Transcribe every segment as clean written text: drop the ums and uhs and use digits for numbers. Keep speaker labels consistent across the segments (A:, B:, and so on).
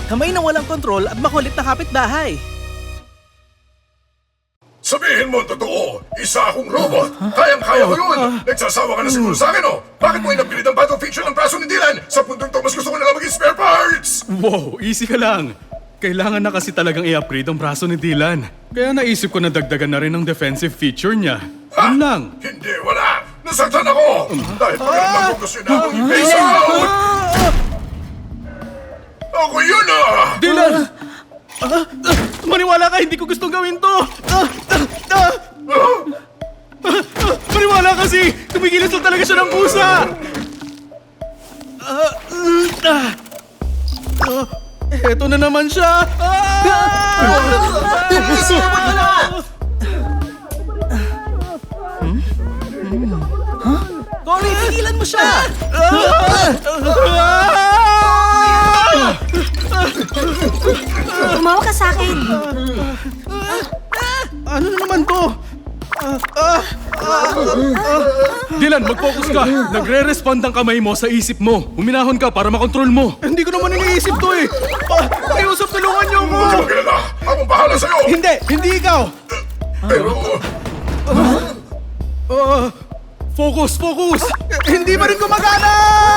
A: Kamay na walang kontrol at makulit na kapitbahay.
B: Sabihin mo ang totoo, isa akong robot. Kayang-kaya ko yun. Nagsasawa ka na siguro sa akin, oh. Bakit mo inapilit ang battle feature ng braso ni Dylan? Sa puntong to, mas gusto ko na lang maging spare parts!
C: Wow, easy ka lang. Kailangan na kasi talagang i-upgrade ang braso ni Dylan. Kaya naisip ko na dagdagan na rin ang defensive feature niya. Yun lang.
B: Hindi, wala! Nasaktan ako! Dahil pagkaramdam ko gusto na akong i-face out! Ako yun, ah!
C: Dylan! Maniwala ka, hindi ko gustong gawin to! Maniwala kasi! Tumigilis lang talaga siya ng pusa! Eto na naman siya!
A: Cory, tigilan mo siya!
D: Tumawa ka sa akin.
C: Ano na naman to? Dylan, mag-focus ka. Nagre-respond ang kamay mo sa isip mo. Huminahon ka para makontrol mo. Hindi ko naman iniisip to eh. Pakiusap, tulungan niyo ako.
B: Huwag ka magalala! Akong bahala sa'yo!
C: Hindi ikaw.
B: Pero...
C: Focus! Hindi pa rin gumagana!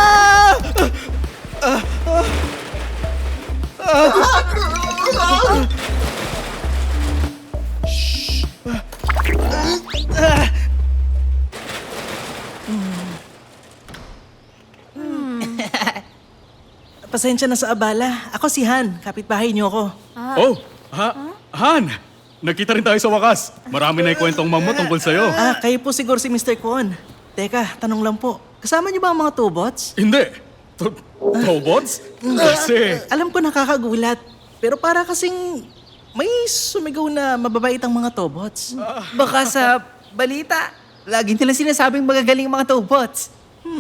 A: Pasensya na sa abala. Ako si Han, kapitbahay niyo ako.
C: Han! Nagkita rin tayo sa wakas. Marami na ikwentong mamo tungkol sa'yo.
A: Kayo po siguro si Mr. Kwon. Teka, tanong lang po. Kasama niyo ba ang mga Tobots?
C: Hindi. Tobots? Kasi...
A: Alam ko nakakagulat. Pero para kasing may sumigaw na mababait ang mga Tobots.
E: Baka sa balita, lagi nila sinasabing magagaling ang mga Tobots.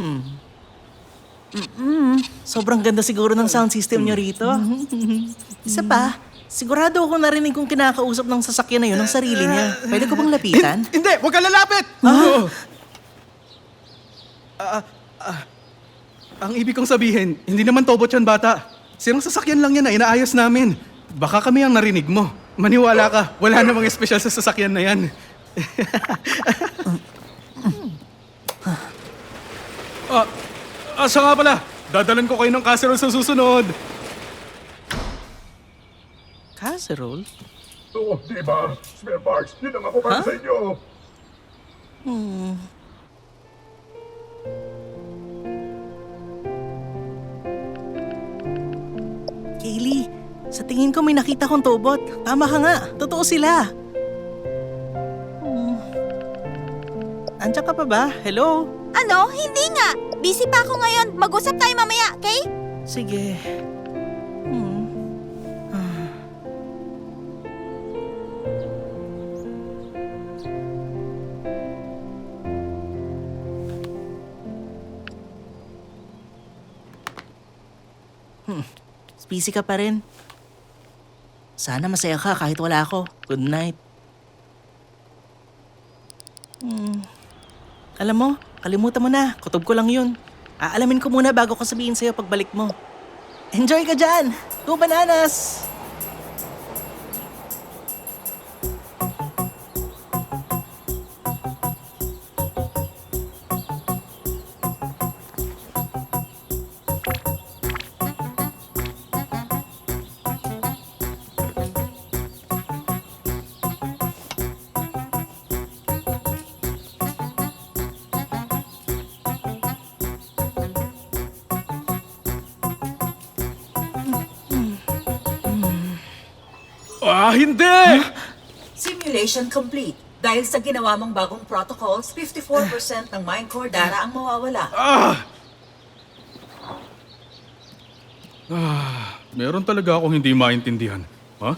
A: Sobrang ganda siguro ng sound system niyo rito. Isa pa, sigurado ako narinig kong kinakausap ng sasakyan na yun ng sarili niya. Pwede ko bang lapitan?
C: Hindi! Huwag ka lalapit! Ang ibig kong sabihin, hindi naman Tobot yan, bata. Sirang sasakyan lang yan na inaayos namin. Baka kami ang narinig mo. Maniwala ka, wala namang espesyal sa sasakyan na yan. Siya nga pala, dadalan ko kayo ng casserole sa susunod.
A: Casserole?
B: Oo, di ba? Spare parts, yun ang ako para sa inyo.
A: Kaylee, sa tingin ko may nakita kong Tobot. Tama ka nga, totoo sila. Andiyan ka pa ba? Hello?
D: Ano? Hindi nga. Busy pa ako ngayon. Mag-usap tayo mamaya, okay?
A: Sige. Busy ka pa rin. Sana masaya ka kahit wala ako. Good night. Alam mo, kalimutan mo na. Kutob ko lang yun. Aalamin ko muna bago ko sabihin sa'yo pagbalik mo. Enjoy ka dyan! 2 bananas!
C: Hindi!
F: Simulation complete. Dahil sa ginawa mong bagong protocols, 54% ng Minecore data ang mawawala.
C: Meron talaga akong hindi maintindihan. Ha?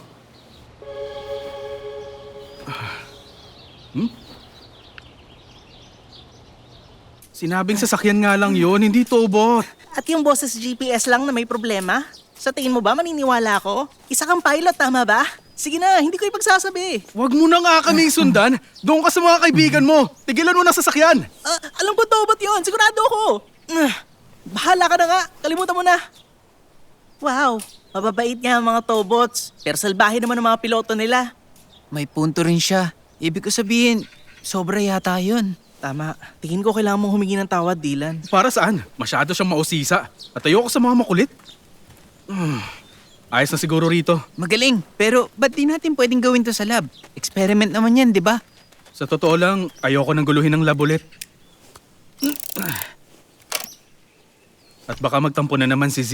C: Sinabing sasakyan nga lang yun, hindi Tobot.
A: At yung boses GPS lang na may problema? Sa tingin mo ba maniniwala ako? Isa kang pilot, tama ba? Sige na, hindi ko ipagsasabi.
C: Huwag mo na nga kami sundan. Doon ka sa mga kaibigan mo. Tigilan mo na sasakyan.
A: Alam ko Tobot yun, sigurado ako. Bahala ka na nga, kalimutan mo na. Wow, Mababait nga ang mga Tobots, pero salbahe naman ang mga piloto nila.
E: May punto rin siya. Ibig ko sabihin, sobra yata yun.
A: Tama. Tingin ko kailangan mong humingi ng tawad, Dylan.
C: Para saan? Masyado siyang mausisa. At ayoko sa mga makulit. Ayos na siguro rito.
E: Magaling, pero ba't di natin pwedeng gawin to sa lab? Experiment naman yan, di ba?
C: Sa totoo lang, ayoko nang guluhin ng lab ulit. At baka magtampo na naman si Z.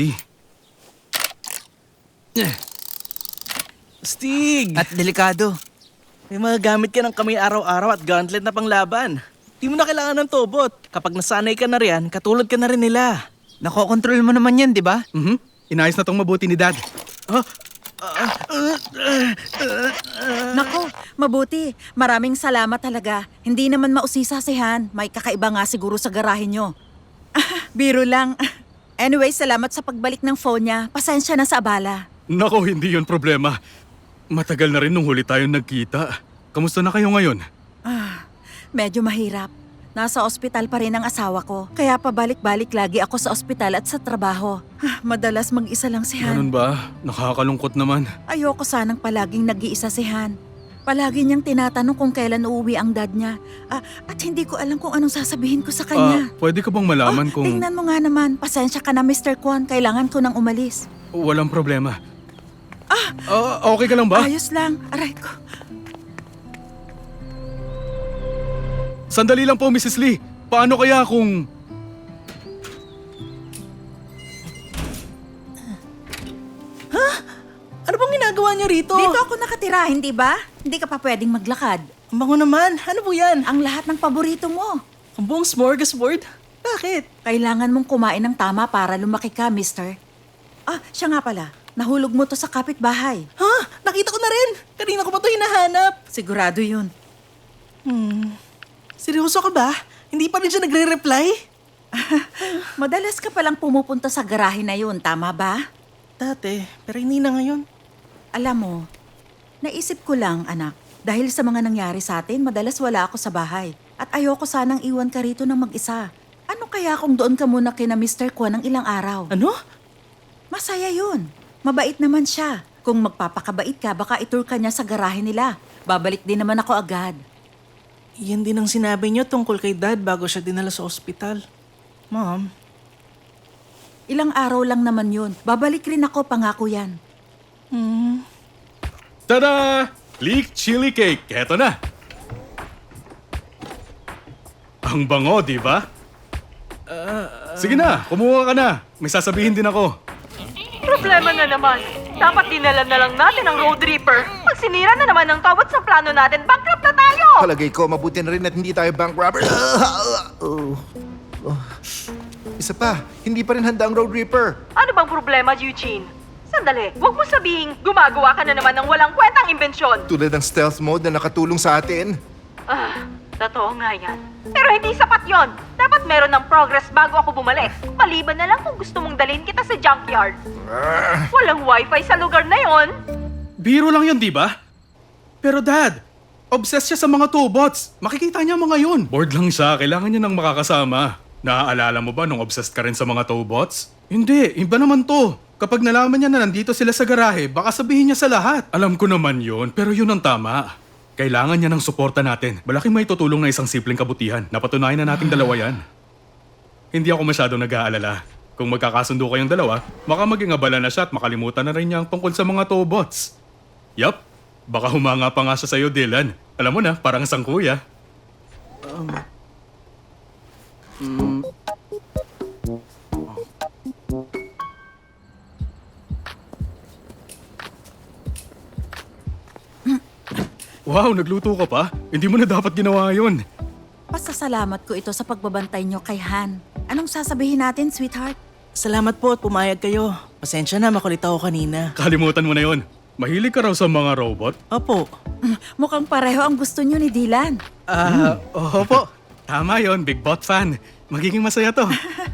A: Stig!
E: At delikado.
A: May mga gamit ka ng kamay araw-araw at gauntlet na panglaban. Di mo na kailangan ng Tobot. Kapag nasanay ka na riyan, katulad ka na rin nila.
E: Nakokontrol mo naman yan, di ba?
C: Inayos na tong mabuti ni Dad.
D: Nako, mabuti. Maraming salamat talaga. Hindi naman mausisa si Han. May kakaiba nga siguro sa garahe nyo. Biro lang. Anyway, salamat sa pagbalik ng phone niya. Pasensya na sa abala.
C: Nako, hindi yun problema. Matagal na rin nung huli tayong nagkita. Kamusta na kayo ngayon?
D: Medyo mahirap. Nasa ospital pa rin ang asawa ko. Kaya pabalik-balik lagi ako sa ospital at sa trabaho. Madalas mag-isa lang si Han.
C: Ganun ba? Nakakalungkot naman.
D: Ayoko sanang palaging nag-iisa si Han. Palagi niyang tinatanong kung kailan uuwi ang dad niya. At hindi ko alam kung anong sasabihin ko sa kanya.
C: Pwede ka bang malaman kung...
D: Tingnan mo nga naman. Pasensya ka na, Mr. Kwon. Kailangan ko nang umalis.
C: Walang problema. Okay ka lang ba?
D: Ayos lang. Aray ko.
C: Sandali lang po, Mrs. Lee. Paano kaya kung...
A: Ano bang ginagawa niyo rito?
D: Dito ako nakatira, hindi ba? Hindi ka pa pwedeng maglakad.
A: Ang bango naman. Ano po yan?
D: Ang lahat ng paborito mo.
A: Ang buong smorgasbord? Bakit?
D: Kailangan mong kumain ng tama para lumaki ka, mister. Siya nga pala. Nahulog mo to sa kapitbahay.
A: Ha? Nakita ko na rin. Kanina ko pa ito hinahanap.
D: Sigurado yun.
A: Seryoso ka ba? Hindi pa rin siya nagre-reply?
D: Madalas ka palang pumupunta sa garahe na yun, tama ba?
A: Dati, pero hindi na ngayon.
D: Alam mo, naisip ko lang, anak. Dahil sa mga nangyari sa atin, madalas wala ako sa bahay. At ayoko sanang iwan ka rito ng mag-isa. Ano kaya kung doon ka muna kina Mr. Kwon ng ilang araw?
A: Ano?
D: Masaya yun. Mabait naman siya. Kung magpapakabait ka, baka itur ka niya sa garahe nila. Babalik din naman ako agad.
A: Yan din ang sinabi niyo tungkol kay Dad bago siya dinala sa ospital. Mom,
D: Ilang araw lang naman yun. Babalik rin ako, pangako yan.
C: Tada! Leek chili cake. Eto na. Ang bango, di ba? Sige na, kumuha ka na. May sasabihin din ako.
G: Problema na naman. Dapat dinala na lang natin ang Road Reaper. Pag sinira na naman ang tawad sa plano natin, bankrupt na tayo!
H: Palagay ko, mabuti na rin at hindi tayo bank robber. Isa pa, hindi pa rin handa ang Road Reaper.
G: Ano bang problema, Eugene? Sandali, huwag mo sabihin gumagawa ka na naman ng walang kwentang imbensyon.
H: Tulad ng stealth mode na nakatulong sa atin.
G: Totoo nga yan. Pero hindi sapat yon. Dapat meron ng progress bago ako bumalik. Maliban na lang kung gusto mong dalhin kita sa junkyard. Walang wifi sa lugar na yon.
C: Biro lang yun, di ba? Pero Dad, obsessed siya sa mga Tobots. Makikita niya mga yun. Bored lang siya, kailangan niya ng makakasama. Naaalala mo ba nung obsessed ka rin sa mga Tobots? Hindi, iba naman to. Kapag nalaman niya na nandito sila sa garahe, baka sabihin niya sa lahat. Alam ko naman yun, pero yun ang tama. Kailangan niya ng suporta natin. Malaking may tutulong na isang simpleng kabutihan. Napatunayan na nating dalawa yan. Hindi ako masyadong nag-aalala. Kung magkakasundo kayong dalawa, baka maging abala na siya at makalimutan na rin niya ang tungkol sa mga Tobots. Yup, baka humanga pa nga siya sa'yo, Dylan. Alam mo na, parang isang kuya. Wow, nagluto ka pa? Hindi mo na dapat ginawa yun.
D: Pasasalamat ko ito sa pagbabantay niyo kay Han. Anong sasabihin natin, sweetheart?
A: salamat po at pumayag kayo. Pasensya na, makulit ako kanina.
C: Kalimutan mo na yun. Mahilig ka raw sa mga robot?
A: Opo.
D: Mukhang pareho ang gusto niyo ni Dylan.
C: Opo. Tama yon, Big Bot fan. Magiging masaya to.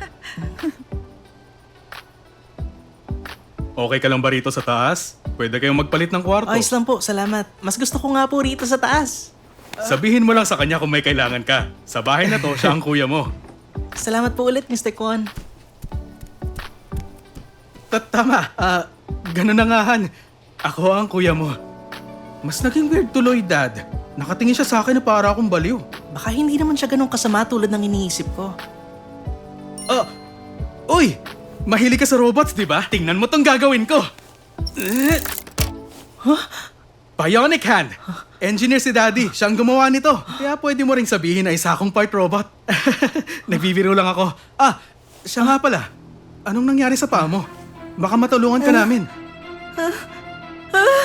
C: Okay ka lang ba rito sa taas? Pwede kayong magpalit ng kwarto.
A: Ayos lang po, salamat. Mas gusto ko nga po rito sa taas.
C: Sabihin mo lang sa kanya kung may kailangan ka. Sa bahay na to, siya ang kuya mo.
A: Salamat po ulit, Mr. Kwon.
C: Tama. Ganun na nga, Han. Ako ang kuya mo. Mas naging weird tuloy, Dad. Nakatingin siya sa akin na para akong baliw.
A: Baka hindi naman siya ganun kasama tulad ng iniisip ko.
C: Uy! Mahilig ka sa robots, di ba? Tingnan mo tong gagawin ko. Bionic hand. Engineer si Daddy. Siyang gumawa nito. Kaya pwede mo ring sabihin na isa akong part robot. Nagbibiro lang ako. Siya nga pala. Anong nangyari sa paa mo? Baka matulungan ka namin.